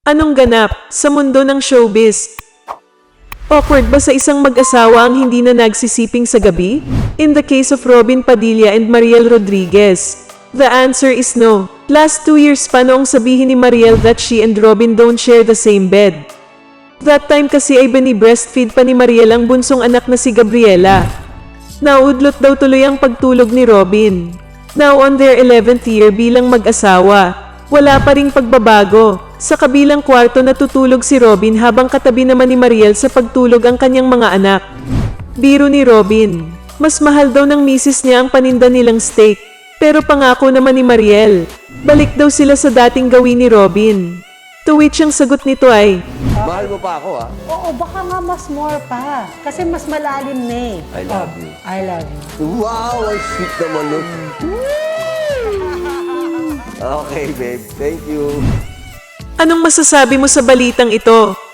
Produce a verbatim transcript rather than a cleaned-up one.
Anong ganap sa mundo ng showbiz? Awkward ba sa isang mag-asawa ang hindi na nagsisiping sa gabi? In the case of Robin Padilla and Mariel Rodriguez, the answer is no. Last two years pa noong sabihin ni Mariel that she and Robin don't share the same bed. That time kasi ay bini-breastfeed pa ni Mariel ang bunsong anak na si Gabriela. Naudlot daw tuloy ang pagtulog ni Robin. Now on their eleventh year bilang mag-asawa, wala pa ring pagbabago. Sa kabilang kwarto natutulog si Robin habang katabi naman ni Mariel sa pagtulog ang kanyang mga anak. Biro ni Robin, mas mahal daw ng misis niya ang paninda nilang steak. Pero pangako naman ni Mariel, balik daw sila sa dating gawin ni Robin. To which ang sagot nito ay, Mahal mo pa ako, ah. Oo, baka nga mas more pa. Kasi mas malalim na eh. I love you. I love you. Wow, ang sweet naman nun. Okay, babe. Thank you. anong masasabi mo sa balitang ito?